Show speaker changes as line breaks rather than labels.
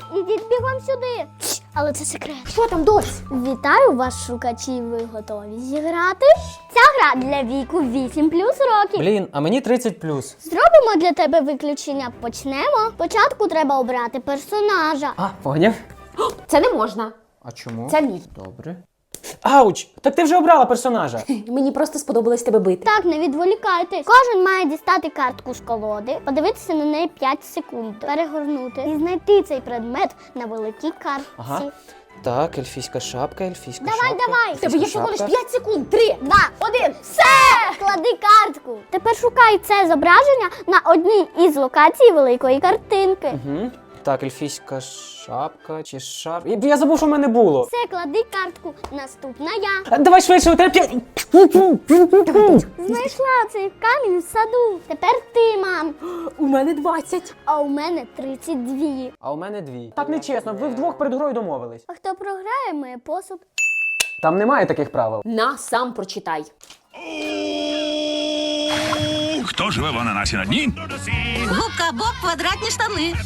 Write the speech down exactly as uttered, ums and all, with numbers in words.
ідіть бігом сюди. Але це секрет.
Що там, дось?
Вітаю вас, шукачі, ви готові зіграти? Ця гра для віку вісім плюс років.
Блін, а мені тридцять плюс.
Зробимо для тебе виключення. Почнемо. Спочатку треба обрати персонажа.
А, поняв?
Це не можна.
А чому?
Це мій.
Добре. Ауч! Так ти вже обрала персонажа.
Мені просто сподобалось тебе бити.
Так, не відволікайтесь. Кожен має дістати картку з колоди, подивитися на неї п'ять секунд, перегорнути і знайти цей предмет на великій картці.
Ага. Так, ельфійська шапка, ельфійська
Давай,
шапка.
давай.
В тебе є всього лиш п'ять секунд. Три,
Два,
один.
все! Клади картку. Тепер шукай це зображення на одній із локацій великої картинки.
Угу. Так, ельфійська шапка чи шап... Я- Я забув, що в мене було.
Все, клади картку. Наступна я.
А, Давай швидше, у тебе п'ять...
Знайшла цей камінь в саду. Тепер ти, мам.
У мене двадцять.
А у мене тридцять два.
А у мене дві. Так нечесно, ви вдвох перед грою домовились.
А хто програє, має посуд.
Там немає таких правил.
На, сам прочитай.
Хто живе в ананасі на дні?
Губка Боб, квадратні штани.